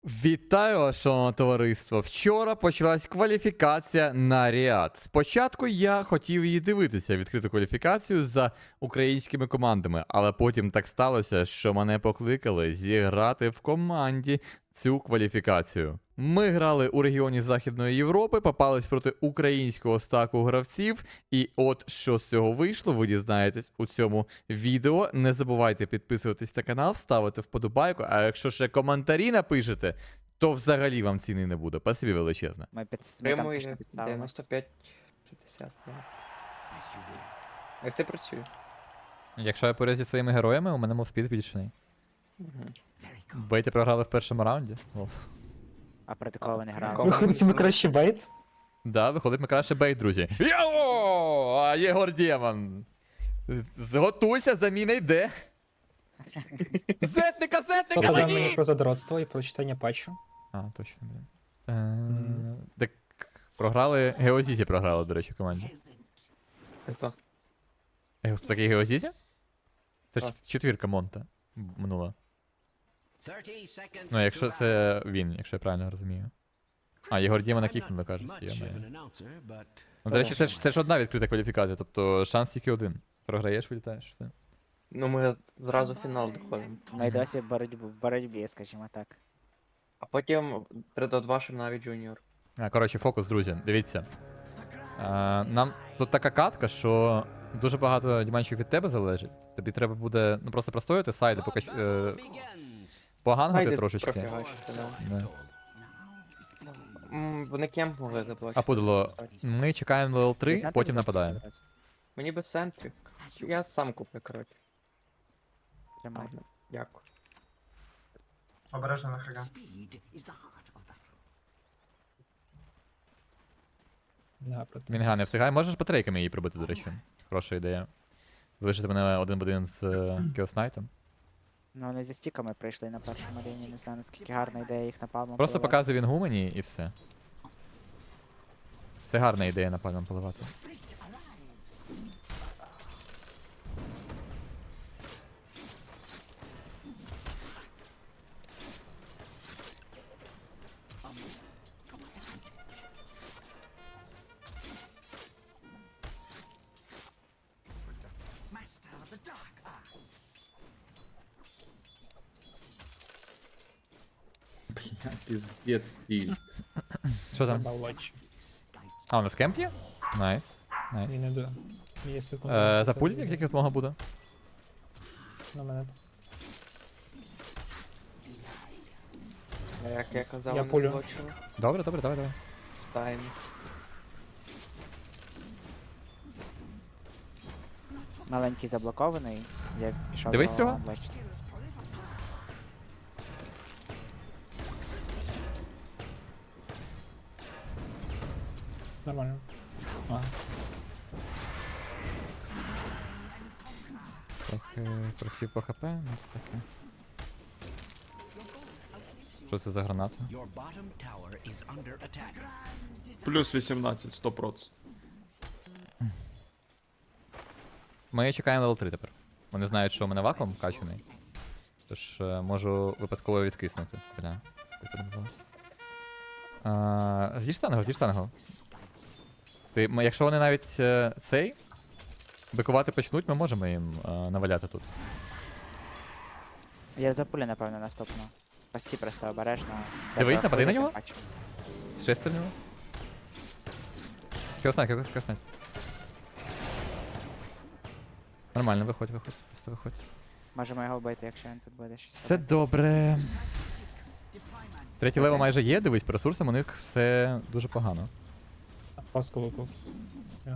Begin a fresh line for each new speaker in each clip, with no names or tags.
Вітаю вас, шановне товариство! Вчора почалась кваліфікація на Ріад. Спочатку я хотів її дивитися, відкриту кваліфікацію за українськими командами, але потім так сталося, що мене покликали зіграти в команді цю кваліфікацію. Ми грали у регіоні Західної Європи, попались проти українського стаку гравців, і от що з цього вийшло, ви дізнаєтесь у цьому відео. Не забувайте підписуватись на канал, ставити вподобайку, а якщо ще коментарі напишете, то взагалі вам ціни не буде. Спасибі величезне.
Ми там
Прямує
пішли підставимо.
95-60. Як це працює?
Якщо я поряд зі своїми героями, у мене мовспід збільшений. Бейти програли в першому раунді.
А проти кого ви не грали?
Кого?
Виходить, ми краще бейт?
Да, виходить ми краще бейт, друзі. Йоу! А Єгор Демон. Готуйся, заміна йде. Зетника,
Показав мені
мені!
про задротство і про читання патчу.
А, точно, блін. Так, програли, Геозізі програли, до речі, в команді.
Хто?
Хто такий Геозізі? Це ж
Так.
четвірка Монта минула. Ну, якщо це він, якщо я правильно розумію. А, Єгор Дімона кікнули, кажуть. Ну, до речі, це ж одна відкрита кваліфікація, тобто шанс тільки один. Програєш, вилітаєш. Все.
Ну ми зразу в фінал доходимо.
Ми й досі в боротьбі, скажімо так.
А потім перед вашим навіть джуніор.
Коротше, фокус, друзі, дивіться. Нам тут така катка, що дуже багато діманчиків від тебе залежить. Тобі треба буде просто простояти сайди, поки погангати трошечки.
Профігачити, да.
Да.
Вони кемп могли заплатити.
А подало, ми чекаємо левел 3,
Знаєте,
потім
будь ласка,
нападаємо.
зараз?
Мені без центрів. Я сам куплю, коротше.
Тримай.
Ладно, дякую.
Обережно на хага.
Да, проти.
Мінга не встигає. Можеш батарейками її прибити, до речі. Хороша ідея. Залишити мене один в один з Кіоснайтом.
Ну вони зі стіками прийшли на першому рівні, не знаю наскільки гарна ідея їх напалмом
Просто
поливати.
показує він гумані і все. Це гарна ідея напальмом поливати.
Пиздец тильт.
Що там?
Забавлач.
А, у нас кемп є? Найс.
Мені
Найс.
не до. Є секунда.
За пуль, як тільки змога буде.
На мене.
Як я казав,
Я
вони
пулю.
злочили.
Добре, добре, давай, давай.
Тайм.
Маленький заблокований, я пішов
Дивись
до
цього.
бачите.
Нормально. А,
Трохи просів по хп, ну таке. Що це за граната?
Плюс 18, 100%.
Ми чекаємо level 3 тепер. Вони знають, що у мене вакуум качаний. Тож можу випадково відкиснути. Бля, як подивилось. З'їж штангу, з'їж штангу. Якщо вони навіть цей бикувати почнуть, ми можемо їм наваляти тут.
Я за пулі, напевно, наступну. Пості просто обережно.
Дивись, напади на нього.
Бачу.
Ще стрільнули. Кіоснайт. Нормально, виходь, просто виходь.
Можемо його вбити, якщо він тут буде щось.
Все
робити.
добре. Третій левел майже є, дивись, по ресурсам у них все дуже погано.
паску випав. Ага.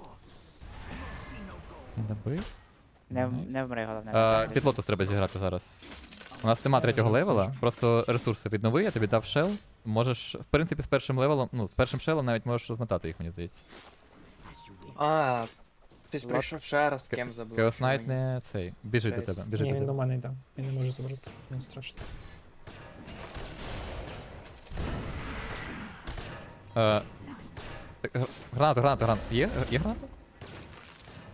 Не добив.
Не вмри, головне.
Під лотос треба зіграти зараз. У нас нема третього левела, просто ресурси віднови, я тобі дав шел. Можеш, в принципі, з першим левелом, ну, з першим шелом навіть можеш розмотати їх, мені здається.
А, хтось прийшов ще раз кемп заблокував.
Кеоснайт не цей. Біжить до тебе, біжить
Ні,
до
він до
тебе.
мене йде. Він не може забрати. Не страшно.
Граната. Є граната?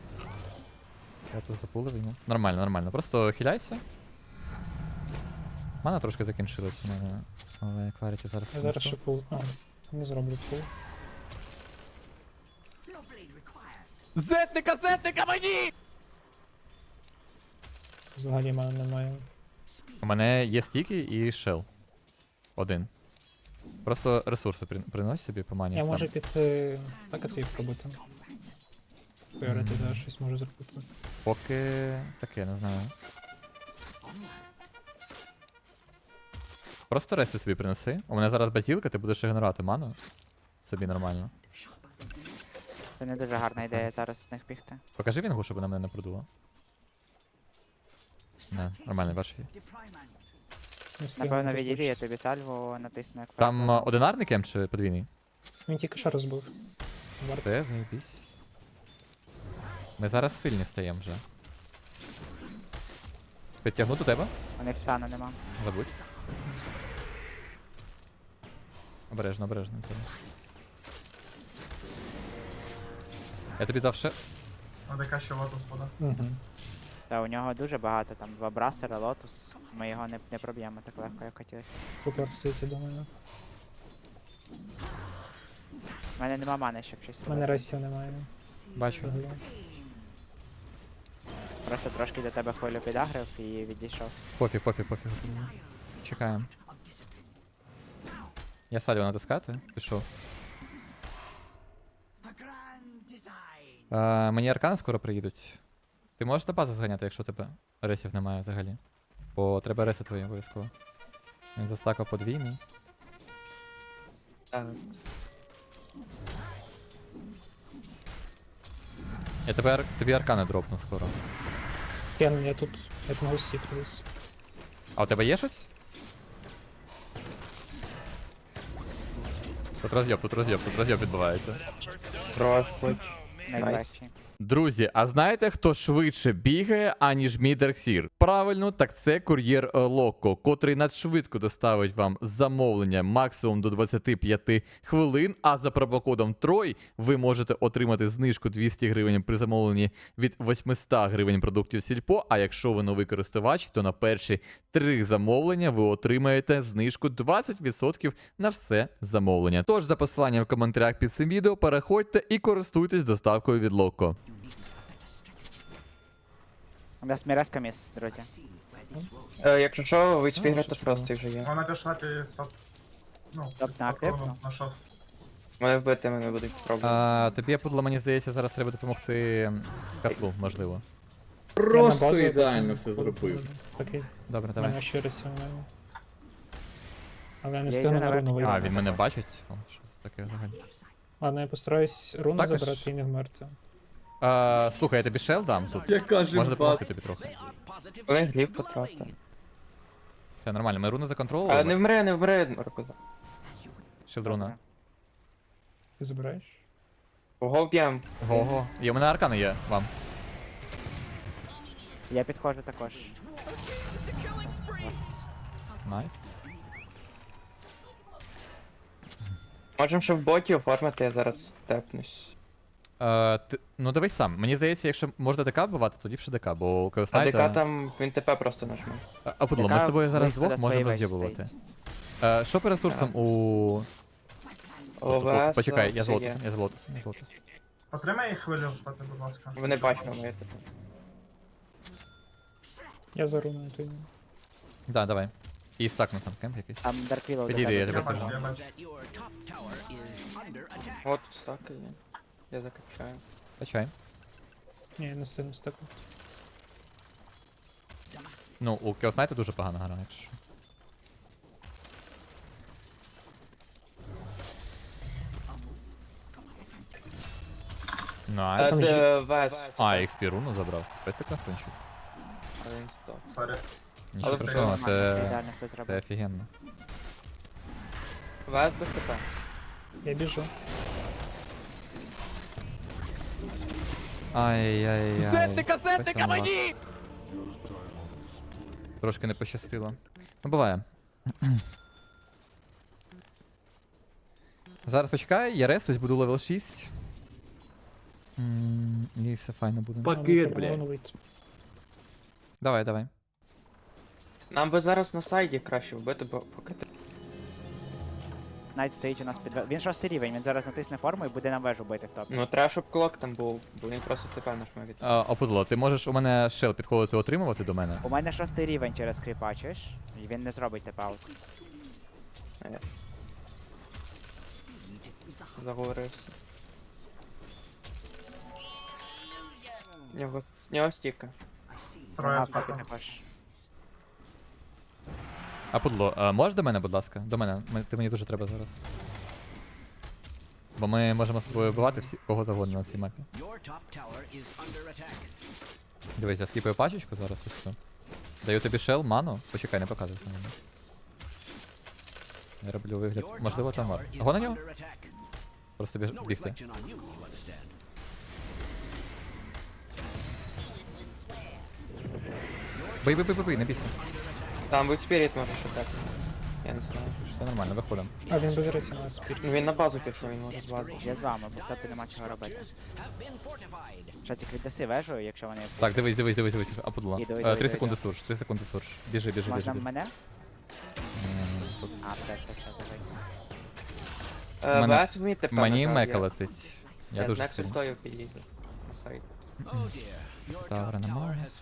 Я тут запулив йому. Нормально. Просто хиляйся. Мана трошки закінчилась у мене, але Кларіті зараз.
Я зараз
принесу.
ще пул. А, не зроблю пул.
Зетника мені!
Взагалі в мене немає.
У мене є стіки і шел. Один. Просто ресурси принось собі по мані.
Я
сам.
можу піти стакати їх пробити. Поярити зараз щось можу зробити.
Поки таке, не знаю. Просто реси собі принеси. У мене зараз базілка, ти будеш генерувати ману. Собі нормально.
Це не дуже гарна ідея зараз з них бігти.
Покажи вінгу, щоб вона мене не продуло. Не, нормально, бачиш її.
Не встигну
Напевно, відійди, я
розбачити.
тобі сальву натисну як
Там
правило.
одинарний кем чи подвійний?
Він тільки що розбив. Варт.
Це заєбісь. Ми зараз сильні стаємо вже. Підтягну до тебе?
У них стану нема.
Забудь. Обережно, обережно. Це. Я тобі дав ще.
АДК ще лотус буде.
Угу.
Та у нього дуже багато, там 2 брасера, лотус. Ми його не проб'ємо так легко, як хотілося.
Тут варт стоїть, я думаю.
У мене нема мани, щоб щось
У мене
робити.
рейсів немає.
Бачу.
Взагалі.
Просто трошки до тебе хвилю підагрив і відійшов.
Пофіг, пофіг, пофіг. Чекаємо. Я салю натискати. Пішов. Мені аркани скоро приїдуть. Ти можеш на базу зганяти, якщо тебе ресів немає взагалі. Бо треба реси твої обов'язково. Він застакав подвійний.
Так.
Я тепер тобі аркани дропну скоро.
Я тут, як на гусі колись.
А у тебе є щось? Тут роз'єб відбувається.
Трошки.
Найкращий.
Друзі, а знаєте, хто швидше бігає, аніж Мідерксір? Правильно, так це кур'єр Локо, котрий надшвидко доставить вам замовлення максимум до 25 хвилин, а за промокодом TROY ви можете отримати знижку 200 гривень при замовленні від 800 гривень продуктів Сільпо, а якщо ви новий користувач, то на перші 3 замовлення ви отримаєте знижку 20% на все замовлення. Тож за посиланням в коментарях під цим відео переходьте і користуйтесь доставкою від Локо.
У нас міреска міс, друзі.
Якщо що, ви спіграти
що ж
просто вже є.
Вона пішла під топ. Ну,
Топ на актив, ну?
на шост.
Мене вбити мене будуть пробувати.
Тобі, Пудло, мені здається, зараз треба допомогти котлу, можливо.
Просто
ідеально все
зробив. Окей,
Добре,
в
давай.
мене ще рейсів немає. Але я не
Я
встигну
йду
на
наверх.
руну вийти.
А, він мене бачить? О, що це таке взагалі?
Ладно, я постараюсь руну
Стакаш?
забрати і не вмерти.
Слухай, я тобі шел дам тут.
Яка ж
Можна допомогти тобі трохи.
Вони гліб потратив.
Все нормально, ми руни
А не
законтролювали.
вмре, не вмре, Маркуза.
Шилдруна.
Ти забираєш?
Кого вб'єм?
Го-го. І у мене аркани є вам.
Я підходжу також.
Найс.
Можем ще в боті оформити, я зараз степнусь.
Ну дивись сам. Мені здається, якщо можна ДК вбивати, тоді б ще ДК, бо у
А ДК
Кеоснайта...
там, він ТП просто нажме.
А Пудло, ми з
ДК
тобою зараз
близько до
двох можемо
своєї
роз'єбувати. Що по ресурсам у...
ОВС,
Почекай, я
все
золото,
є.
я золото.
Потримай хвилю, будь ласка.
Вони бачать моє ТП.
Я за руною тоді.
Да, давай. І стакну там кемп якийсь.
Там Дарквілоу до
Підійди, я
тебе.
тебе
Я
сажу.
бачу.
От тут стаки є. Я закачаю.
Качай.
Ні, я не встигну стакати.
Ну, у Кеоснайта дуже погана гра, якщо що. Найс.
там же-
Вес.
А, XP руну забрав. Пестик красунчик.
А він стоп.
Сорі.
Нічого
Але
страшного,
Нормально,
це...
ідеально все
Це
зробив.
офігенно.
Вес без ТП.
Я біжу.
Ай-яй-яй.
Зетника
мені! Трошки не пощастило. Ну, буває. Зараз почекай, я ресусь, буду левел 6. І все файно буде.
Пакет, блядь.
Давай, давай.
Нам би зараз на сайді краще вбити, бо поки ти.
Найт стоїть у нас під... Він 6 рівень, він зараз натисне форму і буде нам вежу бити в топ.
Ну треба, щоб клок там був, бо він просто тепер наш має від.
Опудло, ти можеш у мене шел підходити отримувати до мене?
У мене 6 рівень через кріпа, чуєш? І він не зробить тепаут.
Заговорився. В нього стіка.
Троє
Ага,
в
поки
топі.
також.
Опудло, можеш до мене, будь ласка? До мене. Ти мені дуже треба зараз. Бо ми можемо з тобою вбивати всі, кого завгодно на цій мапі. Дивись, я скіпаю пачечку зараз і все. Даю тобі шел, ману. Почекай, не показуй на мене. Я роблю вигляд. Можливо, там вар. Го на нього? Просто бігти. Бий, не бійся.
Там будь спіріт може ще так. Я не знаю.
Все нормально, виходимо.
А він без рису на спірт.
Ну він на базу пішов, він може звати.
Я з вами, бо в топі нема чого робити. Що тільки віддаси вежу, якщо вони...
Так, дивись, опудло.
Іду,
3 секунди сурж, 3 секунди сурж. Біжи.
Можна мене?
Тут
А, все, забий.
Мене-
ВС вміє тепер.
Мені
нажав,
мека
я-
летить. Я
Я
дуже
знак
сильно.
сультою підійду. На сайт.
Тавра на Марс.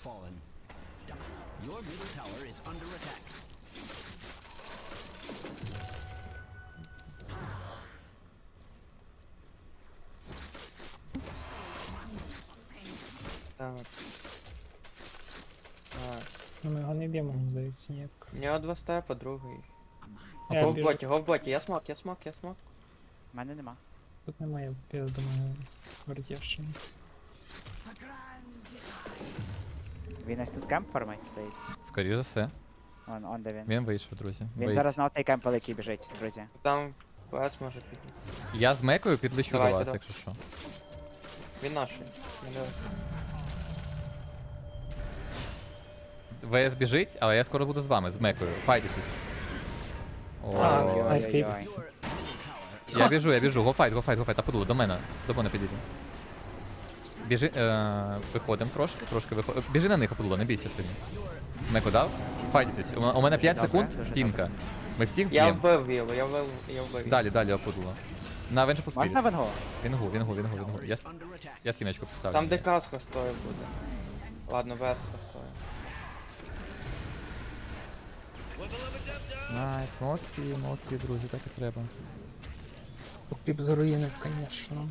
Так. Так.
Ну ми його не б'ємо, мені здається, ніяк.
У нього 2 степа, другий.
Я
Го в
біжу.
боті, я смок.
В мене нема.
Тут немає, я думаю, вертівщини.
Він ось тут кемп формить стоїть.
Скоріше за все.
Он де він.
Він вийшов, друзі.
Він
Боїться.
зараз на отей кемп великий біжить, друзі.
Там ВС може піти.
Я з мекою підлечу до
Давайте,
вас,
да.
якщо що.
Він наш.
ВС біжить, але я скоро буду з вами, з мекою. Файтитесь. О,
Ой-ой-ой.
я біжу, го файт, Апудло, до мене підійди. Біжи, виходимо трошки виходимо. Біжи на них, Апудло, не бійся сильно. Меку дав? Файтитесь. У мене 5
Добре,
секунд,
дуже
стінка. Ми всіх
Я
б'ємо.
вбив вілу, я вбив.
Далі, Апудло. На Венджу
Можна
Спіріт.
венгу?
Вінгу. Я скіночку поставлю.
Там де каска стоїть буде. Ладно, ВС стоїть.
Найс, молодці, друзі, так і треба.
Кліп з руїни, звісно.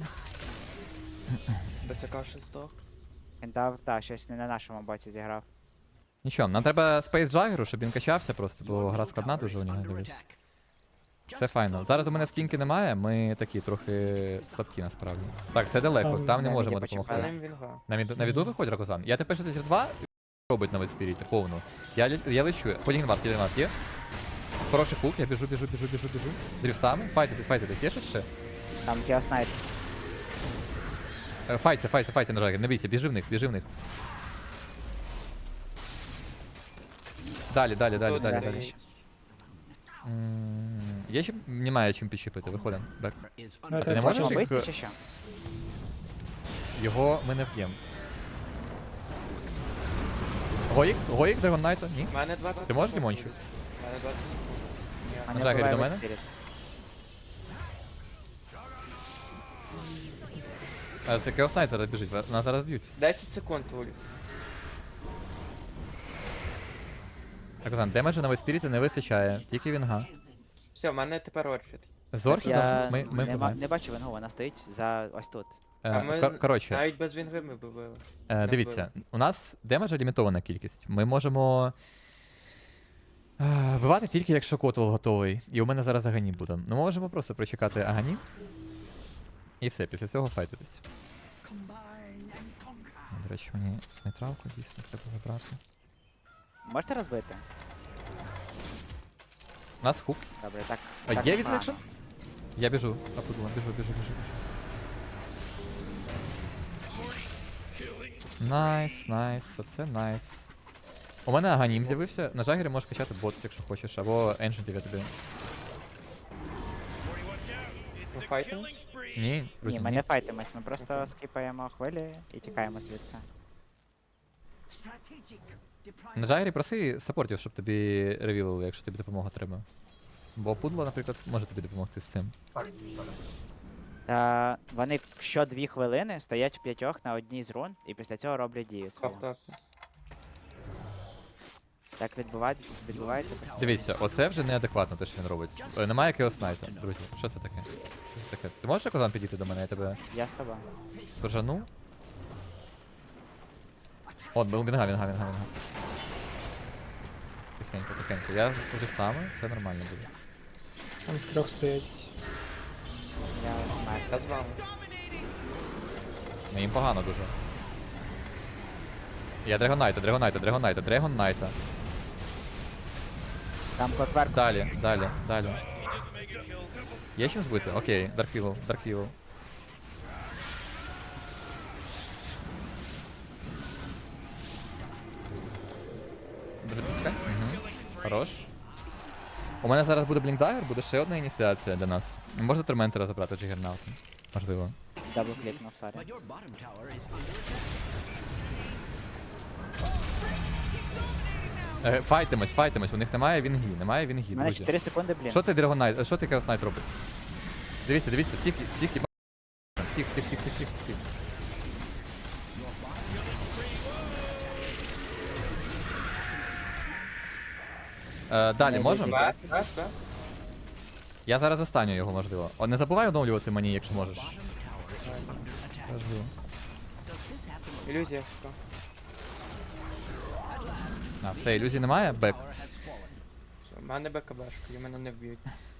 БЦК ще здох.
Він дав, та, щось не на нашому боці зіграв.
Нічого, нам треба Space Jagger, щоб він качався просто, бо гра складна дуже у нього, дивись. Це файно. Зараз у мене стінки немає, ми такі трохи слабкі насправді. Так, це далеко, там не
Я
можемо
не почекаю.
допомогти.
Але вінга.
На віду виходь, Рокозан. Я тепер 62 робить на спіріті, повну. Я лечу. Полігінвард є. Хороший хук, я біжу. Дрівстами. Файтитесь. Є щось ще?
Там Кіоснайт.
Файтся на Жагер, не бійся, біжи в них. Далі. Я ще немає чим підчепити, виходимо. Бек.
А
ти не можеш
Можемо
їх-
бити чи що?
Його ми не вб'ємо. Гоїк Драгон Найта? Ні?
У мене 20.
Ти можеш,
секунд
Дімончик?
буде. У мене 20 секунд. Ні.
А
На
не
Жагері
вбиває
до мене?
Спіріт.
Це Chaos Knight зараз біжить, нас зараз б'ють.
10 секунд, Ульф.
Рокозан, демеджу на спіріті не вистачає, тільки вінга.
Все, в мене тепер орчит.
З Орхідом
Я
ми вбиваємо.
не бачу венгу, вона стоїть за ось тут.
А ми
Коротше,
навіть без вінги ми б вбили.
дивіться, у нас демеджа лімітована кількість. Ми можемо вбивати тільки якщо котл готовий. І у мене зараз Агані буде. Ми можемо просто прочекати Агані. І все, після цього файтитись. До речі, мені нейтралку дійсно треба забрати.
Можете розбити?
У нас хук.
Добре, так.
А
так
є
непогано.
відлекшн? Я біжу, Апудло, біжу. Найс, оце найс. У мене Аганім з'явився. На Жагері можеш качати бот, якщо хочеш, або Ancient я тобі.
Ми файтимо?
Ні,
Ні,
друзі,
ми не файтимось, ми просто скіпаємо хвилі і тікаємо звідси.
На Джайрі проси саппортів, щоб тобі ревілили, якщо тобі допомога треба. Бо пудло, наприклад, може тобі допомогти з цим.
Так,
Вони що 2 хвилини стоять в 5 на одній з рун, і після цього роблять дію свою.
Автоп.
Так відбувається постійно.
Дивіться, оце вже неадекватно те, що він робить. Немає якогось снайта, друзі. Що це таке? Що це таке? Ти можеш Козан підійти до мене, я тебе
Я з тобою.
пожану? От, вінга. Тихенько. Я вже саме, все нормально буде.
Там 3 стоять.
Я вмер.
Я з вами.
Ну їм погано дуже. Я Драгонайта.
Там клокверк.
Далі. Є чим збити? Окей, Дарквілл. Хорош. У мене зараз буде Блінкдагер, буде ще одна ініціація для нас. Можна Торментера забрати Джигернаутом. Можливо.
Дабл клікнув, сорі.
Файтимось, у них немає вінгі,
У мене
друзі.
4 секунди, блін.
Що цей Драгонайт, що цей Chaos Knight робить? Дивіться, всіх їба. Всіх. Далі можемо?
Б.
Я зараз застаню його, можливо. О, не забувай оновлювати мені, якщо можеш. Важливо.
Ілюзія. що?
А, все, ілюзій немає? Бек.
Все, в мене БКБшка, і мене не вб'ють.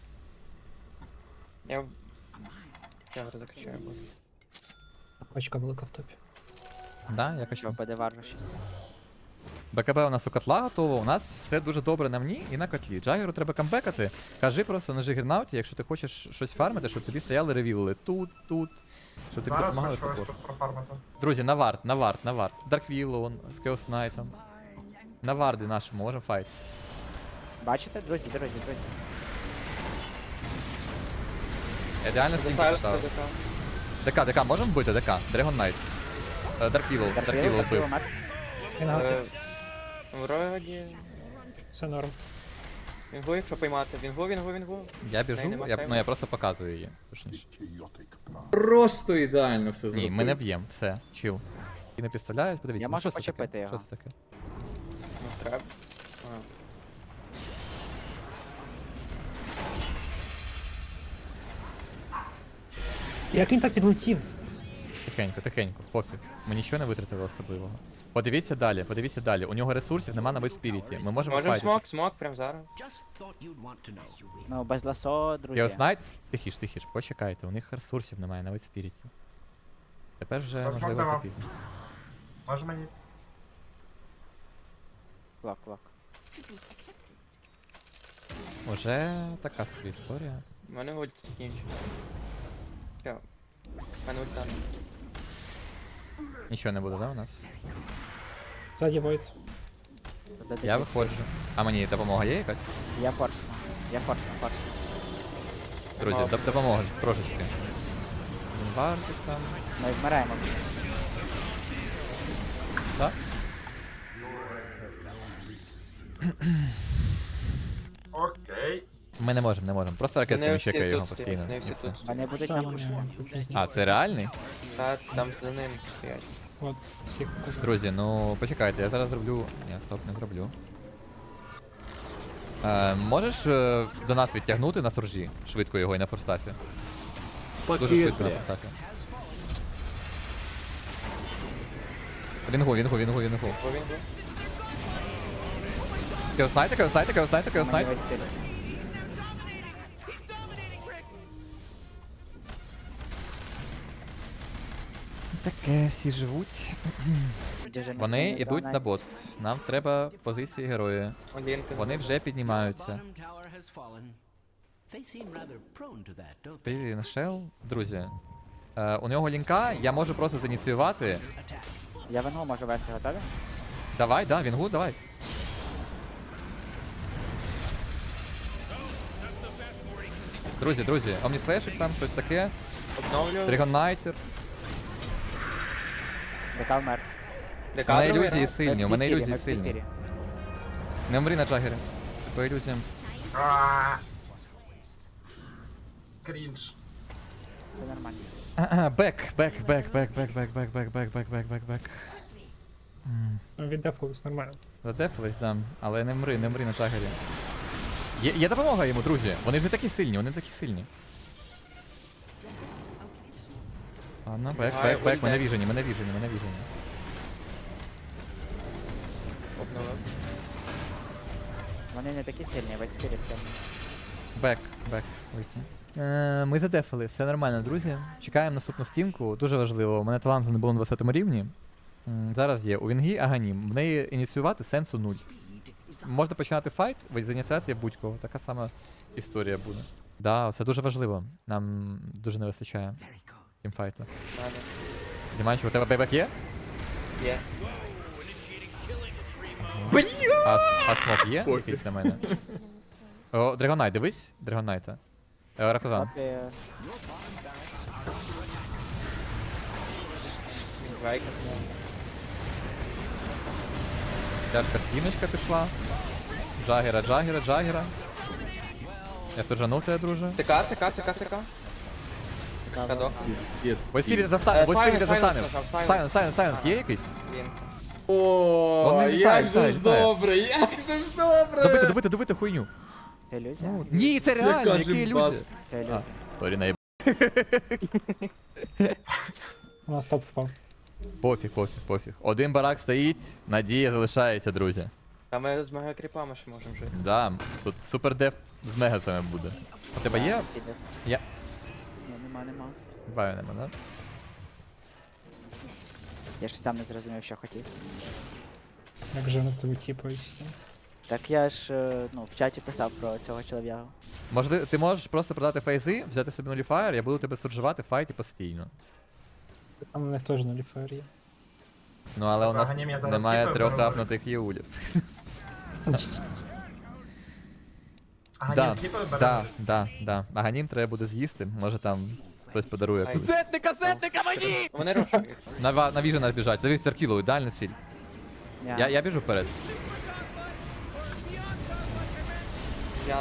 Я закачаю.
Пачка велика в топі.
Да, я
Що,
качу.
ПД 6.
БКБ у нас у котла готово, у нас все дуже добре на мені і на котлі. Джагеру треба камбекати. Кажи просто на Джигернауті, якщо ти хочеш щось фармити, щоб тобі стояли ревілили тут, щоб тобі
Зараз
допомагали
хочу ось
саппорт.
тут профармити.
Друзі, на вард. Дарквілл, он, з Chaos Knight'ом. На варди нашому, можемо файт.
Бачите, друзі?
Ідеально
Це
стінку
Сайрус,
поставив.
це ДК.
ДК, можемо вбити? ДК, Dragon Knight. Дарквілл вбив.
Дарквілл,
Він гаутить.
Вроді...
Все норм.
Вінгу, якщо поймати. Вінгу.
Я
Неї
біжу,
нема
я
сейву.
просто показую її. Точніше.
Просто ідеально все
Ні,
зробив.
ми не б'ємо, все, чил. І не підставляють, подивіться.
Я
ну,
можу
що це
почепити
таке?
його.
Що це таке?
Ну, треба.
Як він так відлетів?
Тихенько, пофіг. Ми нічого не витратили особливого. Подивіться далі. У нього ресурсів нема на спіріті. Ми можемо
Можемо
файтитись.
смок прямо зараз.
Ну, без ласо, друзі.
Chaos Knight? Тихіш, почекайте, у них ресурсів немає на спіріті. Тепер вже
Ось
можливо
Макдама.
запізно.
Може мені?
Клок.
Уже така собі історія.
У мене ульт закінчив. Все. У мене ульта.
Нічого не буде, да, у нас?
Ззаді Войт.
Я виходжу. А мені допомога є якась?
Я форсну.
Друзі, допомога трошечки. Вартик там.
Ми вмираємо.
Так?
Окей.
Ми не можемо. Просто ракетками
Не всі
чекає його
тут
постійно.
стоять, не
і
всі
все.
тут.
Вони будуть
Там
на пушку.
А, це реальний?
Та там за ним стоять.
От, всіх показав.
Друзі, ну почекайте, я зараз зроблю. Ні, стоп, не зроблю. Можеш до нас відтягнути на суржі? Швидко його і на форстафі. Дуже швидко на форстафі. Вінгу.
Бо він був.
Chaos Knight.
Мені вийти.
Таке всі живуть.
Дуже
Вони
міцний
йдуть
Dragon
на
Knight.
бот. Нам треба позиції героя.
Олінка.
Вони вже піднімаються. Привіт, Шел. Друзі. У нього лінка, я можу просто зініціювати.
Я венгу можу вести, готові?
Давай, да, Вінгу, давай. Друзі, Омніслешик там, щось таке.
Обновлю.
Драгоннайтер.
ДК вмер.
У мене
Декадровий
ілюзії
раунд.
сильні, у мене ілюзії сильні.
сильні.
Не вмри на Джагері. По ілюзіям.
А. Крінж.
Це нормально.
Бек.
Ну, віддефулись нормально.
Задефились, да. Але не мри на Джагері. Є допомога йому, друзі. Вони ж не такі сильні, вони не такі сильні. Ладно, бек. Мене віжені.
Обновив.
Вони не такі сильні, весь спіріт сильний.
Бек. Ми задефали, все нормально, друзі. Чекаємо наступну стінку. Дуже важливо. У мене талант не було на 20 рівні. Зараз є. У Вінгі Аганім. В неї ініціювати сенсу 0. Можна починати файт, з ініціації будь-кого. Така сама історія буде. Да, це дуже важливо. Нам дуже не вистачає тімфайту.
Надо.
Діманчик, у тебе бейбек є?
Є.
А смок є? Якийсь на мене. О, Драгонайт, дивись. Драгонайта. Ракозан.
Поки
Вайк.
Тяжка стіночка пішла. Джагера. Я тут жанув тебе, друже.
ТК. Кадок.
Піздець.
Войспіріт застанив, Войспіріт застанив.
Сайленс,
Сайленс, є якийсь?
Він.
О,
Вони літають,
як же ж
літають.
добре, як же ж добре!
Добити хуйню.
це ілюзія?
Ні, це реально,
Яка
які
ж
ілюзія.
баб.
Це ілюзія.
Сорі, наїб.
У нас топ впав.
Пофіг. Один барак стоїть, надія залишається, друзі.
А ми з мегакріпами ще можемо жити.
Да, тут супер деф з мегасами буде. У тебе є?
Піде.
Я.
Ні, нема.
Баю нема, да?
Я ж сам не зрозумів, що хотів.
Як же на тебе тіпу і всі.
Так я ж в чаті писав про цього чолов'ягу.
Можливо, ти можеш просто продати фейзи, взяти собі нуліфаєр, я буду тебе суржувати в файті постійно.
Там у них теж нуліфаєр є.
Ну але у нас
Аганім я зараз
немає
скіпаю,
3
переговорю.
апнутих єулів.
Аганім скіпаю, беремо.
Да. Аганім треба буде з'їсти, може там хтось подарує.
Ай.
Зетника мені!
Вони рушують.
На віжу нас біжать, завів Серкілу, ідеальна ціль. Я біжу вперед.
Я.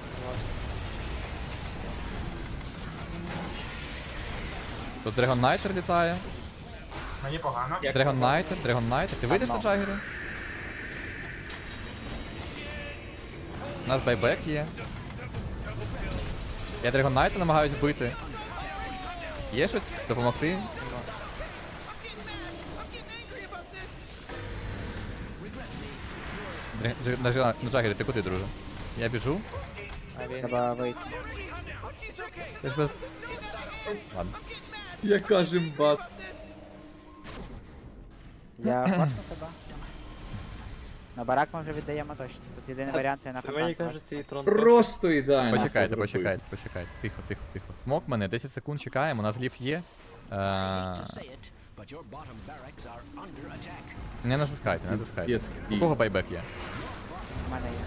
Тут Драгон Найтер літає.
Мені погано.
Як
Драгон Найтер. Ти вийдеш на Джагері? У нас байбек є. Я Драгон Найта намагаюсь вбити. Є щось? Допомогти? На Джагері, ти куди, друже? Я біжу.
А він.
Треба вийти.
Ти ж без... Ладно.
Яка жимба.
Я бачу тебе. На барак ми вже віддаємо точно. Тут єдиний варіант я на
Мені
контакт.
кажеться, і трон.
Просто ідеально.
Почекайте.
все зробив.
Тихо. Смок мене, 10 секунд чекаємо, у нас ліф є. Не натискайте.
Піздець,
У
стій.
кого байбек є?
У мене є.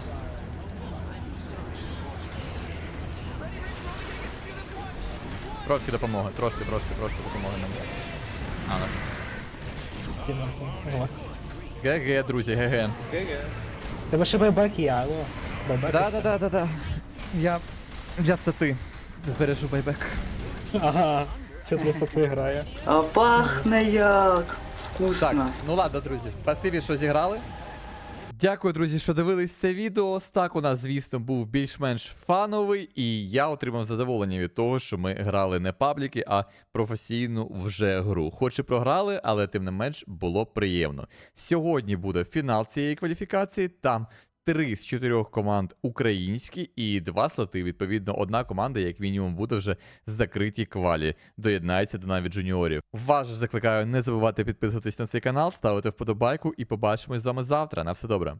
Трошки допомоги, трошки допомоги нам. А, у нас.
Всі мертві. Ого.
ГГ, друзі, ГГ.
Ге-ге.
Тебе ще байбек є, алло. Байбек.
Да. Я для сети збережу байбек.
Ага. 400 грає.
А пахне як!
Так,
Вкусно.
ну ладно, друзі. Спасибі, що зіграли. Дякую, друзі, що дивились це відео. Стак у нас, звісно, був більш-менш фановий, і я отримав задоволення від того, що ми грали не пабліки, а професійну вже гру. Хоч і програли, але тим не менш було приємно. Сьогодні буде фінал цієї кваліфікації. Там 3 з 4 команд українські і 2 слоти. Відповідно, одна команда, як мінімум, буде вже закритій квалі. Доєднається до навіть джуніорів. Вас же закликаю не забувати підписуватись на цей канал, ставити вподобайку і побачимось з вами завтра. На все добре.